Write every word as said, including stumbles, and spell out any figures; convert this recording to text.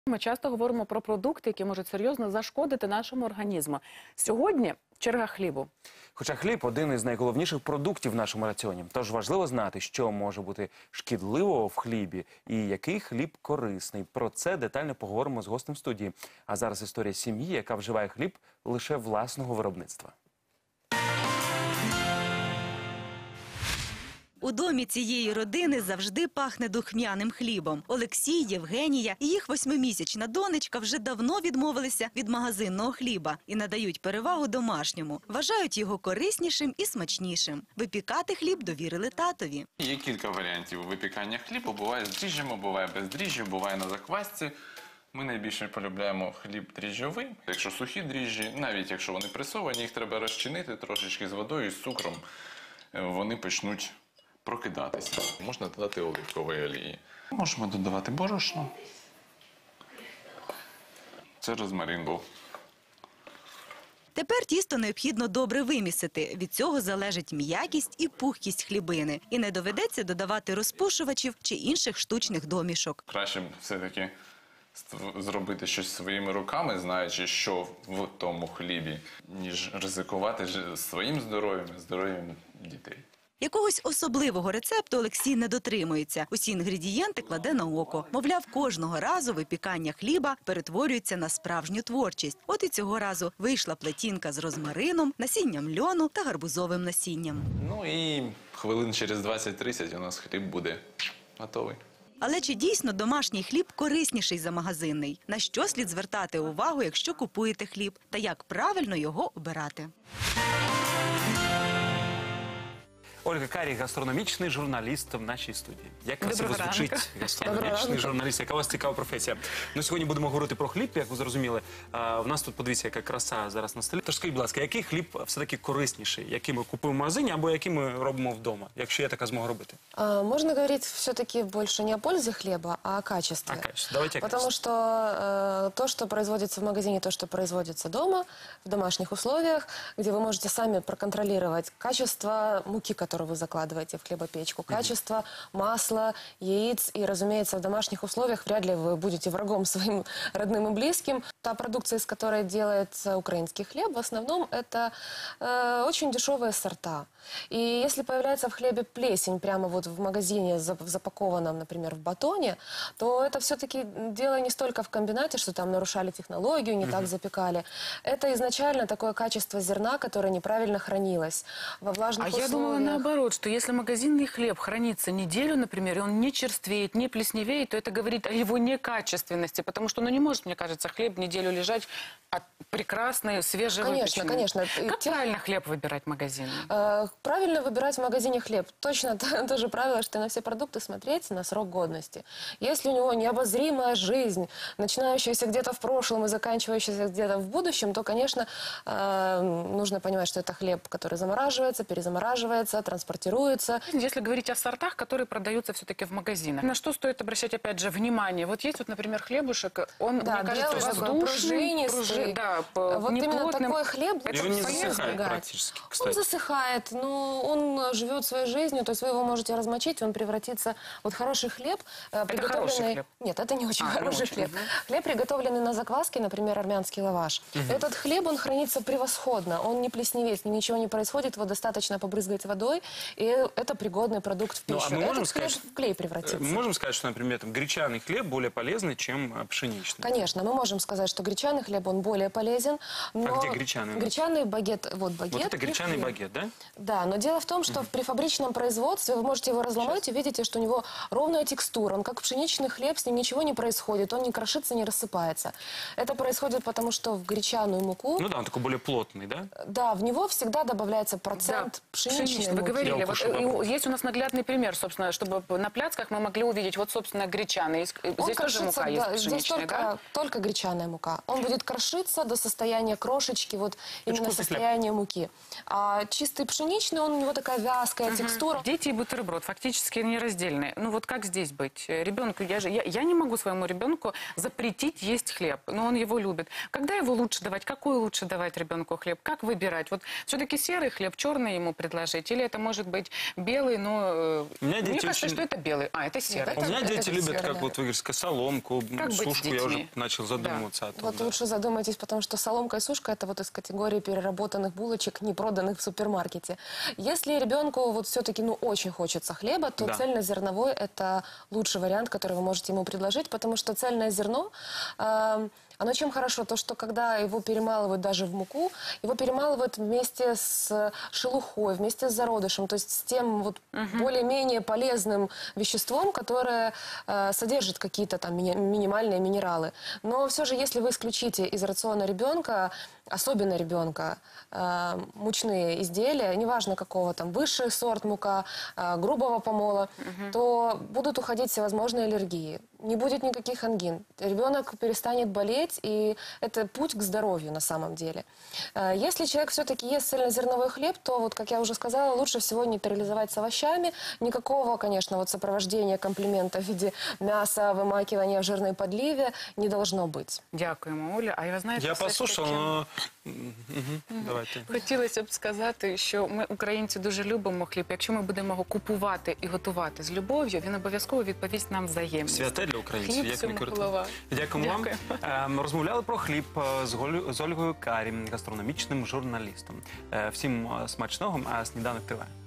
Ми часто говоримо про продукти, які можуть серйозно зашкодити нашому організму. Сьогодні черга хлібу. Хоча хліб – один із найголовніших продуктів в нашому раціоні. Тож важливо знати, що може бути шкідливого в хлібі і який хліб корисний. Про це детально поговоримо з гостем студії. А зараз історія сім'ї, яка вживає хліб лише власного виробництва. У домі цієї родини завжди пахне духмяним хлібом. Олексій, Євгенія і їх восьмимісячна донечка вже давно відмовилися від магазинного хліба і надають перевагу домашньому. Вважають його кориснішим і смачнішим. Випікати хліб довірили татові. Є кілька варіантів випікання хлібу. Буває з дріжджами, буває без дріжджів, буває на заквасці. Ми найбільше полюбляємо хліб дріжджовий. Якщо сухі дріжджі, навіть якщо вони пресовані, їх треба розчинити трошечки з водою, з цукром. Вони почнуть прокидатися. Можна додати оливкової олії. Можемо додавати борошно. Це розмарин був. Тепер тісто необхідно добре вимісити. Від цього залежить м'якість і пухкість хлібини. І не доведеться додавати розпушувачів чи інших штучних домішок. Краще все-таки зробити щось своїми руками, знаючи, що в тому хлібі, ніж ризикувати своїм здоров'ям і здоров'ям дітей. Якогось особливого рецепту Олексій не дотримується. Усі інгредієнти кладе на око. Мовляв, кожного разу випікання хліба перетворюється на справжню творчість. От і цього разу вийшла плетінка з розмарином, насінням льону та гарбузовим насінням. Ну і хвилин через двадцять-тридцять у нас хліб буде готовий. Але чи дійсно домашній хліб корисніший за магазинний? На що слід звертати увагу, якщо купуєте хліб? Та як правильно його обирати? Ольга Карій, гастрономічний журналіст в нашій студії. Як красиво Доброго звучить ранку. гастрономічний журналіст, яка у вас цікава професія. Ну, сьогодні будемо говорити про хліб, як ви зрозуміли. А, в нас тут, подивіться, яка краса зараз на столі. Тож скажіть, будь ласка, який хліб все-таки корисніший? Який ми купуємо в магазині або який ми робимо вдома, якщо є така змога робити? А, можно говорить все-таки больше не о пользе хлеба, а о качестве. О качестве. Давайте о Потому качестве. что э, то, что производится в магазине, то, что производится дома, в домашних условиях, где вы можете сами проконтролировать качество муки, которую вы закладываете в хлебопечку, качество масла, яиц. И, разумеется, в домашних условиях вряд ли вы будете врагом своим родным и близким. Та продукция, из которой делается украинский хлеб, в основном это э, очень дешевые сорта. И если появляется в хлебе плесень прямо вот в магазине, запакованном, например, в батоне, то это все-таки дело не столько в комбинате, что там нарушали технологию, не так запекали. Это изначально такое качество зерна, которое неправильно хранилось во влажных А условиях. я думала наоборот, что если магазинный хлеб хранится неделю, например, и он не черствеет, не плесневеет, то это говорит о его некачественности, потому что, ну, не может, мне кажется, хлеб неделю лежать от прекрасной, свежевыпеченной. Конечно, конечно. Как Тех... правильно хлеб выбирать в магазине? Э, правильно выбирать в магазине хлеб. Точно то, то же правило, что на все продукты смотреть на срок годности. Если у него необозримая жизнь, начинающаяся где-то в прошлом и заканчивающаяся где-то в будущем, то, конечно, э, нужно понимать, что это хлеб, который замораживается, перезамораживается, транспортируется. Если говорить о сортах, которые продаются все-таки в магазинах, на что стоит обращать, опять же, внимание? Вот есть вот, например, хлебушек, он, Да, мне кажется, белый, такой воздушный, пружинистый. пружи- да, Вот именно неплотным. такой хлеб И он не полезно засыхает избегать. практически, Он кстати. засыхает, но он живет своей жизнью, то есть вы его можете размочить, он превратится... Вот хороший хлеб, э, Это хороший хлеб? Нет, это не очень А, хороший не очень, хлеб. угу. Хлеб, приготовленный на закваске, например, армянский лаваш. Угу. Этот хлеб, он хранится превосходно, он не плесневеет, с ним ничего не происходит, его достаточно побрызгать водой, и это пригодный продукт в Ну, пищу. а мы можем Этот хлеб сказать, в клей превратится. Мы можем сказать, что, например, там, гречаный хлеб более полезный, чем а, пшеничный? Конечно, мы можем сказать, что гречаный хлеб, он более полезен. Но... А где гречаный? Гречаный багет, вот багет. Вот это гречаный хлеб. багет, да? Да, но дело в том, что при фабричном производстве вы можете его разломать и видите, что у него ровная текстура. Он как пшеничный хлеб, с ним ничего не происходит, он не крошится, не рассыпается. Это происходит потому, что в гречаную муку... Ну да, он такой более плотный, да? Да, в него всегда добавляется процент Да, пшеничной пшеничный, муки. вы говорили. Я Вот, укушу и попробую. есть у нас наглядный пример, собственно, чтобы на пляцках мы могли увидеть, вот, собственно, гречаный. Он Здесь тоже мука да, есть здесь пшеничная, только, да? только гречаная мука. Он будет крошиться до состояния крошечки, вот именно вкусный состояния муки. А чистый пшеничный, он, у него такая вязкая текстура. Дети и бутерброд фактически нераздельные. Ну вот как здесь быть? Ребенку, я же, я, я не могу своему ребенку запретить есть хлеб, но он его любит. Когда его лучше давать? Какой лучше давать ребенку хлеб? Как выбирать? Вот все-таки серый хлеб, черный ему предложить? Или это может быть белый, но э, У меня мне дети кажется, очень- что это белый. А, это серый. У меня Это- дети это любят, серый, как да. вот вы говорите, соломку, Как быть с сушку. Я уже детьми? начал задумываться о том. Вот да. лучше задумайтесь, потому что соломка и сушка – это вот из категории переработанных булочек, не проданных в супермаркете. Если ребенку вот все-таки ну, очень хочется хлеба, то Да. цельнозерновой – это лучший вариант, который вы можете ему предложить, потому что цельное зерно, э, оно чем хорошо? То, что когда его перемалывают даже в муку, его перемалывают вместе с шелухой, вместе с зародышем, то есть с тем вот более-менее полезным веществом, которое э, содержит какие-то там мини- минимальные минералы. Но все же, если вы исключите из рациона ребенка, особенно ребенка, э, мучные изделия, неважно какого там, высший сорт мука, э, грубого помола, то будут уходить всевозможные аллергии. Не будет никаких ангин. Ребенок перестанет болеть, и это путь к здоровью на самом деле. Э, Если человек все-таки ест цельнозерновой хлеб, то, вот, как я уже сказала, лучше всего нейтрализовать с овощами. Никакого, конечно, вот сопровождения комплимента в виде мяса, вымакивания в жирной подливе не должно быть. Дякуємо, Оля. А я знаєте, Я все ж послушал, таки- но... Мгм, Давайте. Хотілося б сказати, що ми, українці, дуже любимо хліб. Якщо ми будемо його купувати і готувати з любов'ю, він обов'язково відповість нам взаємність. Святе для українців, Хліб як всьому не круто. голова. Дякуємо вам. Дякуємо. Ем, Розмовляли про хліб е, з Голю- з Ольгою Карі, гастрономічним журналістом. Е, Всім е, смачного, а сніданок триває.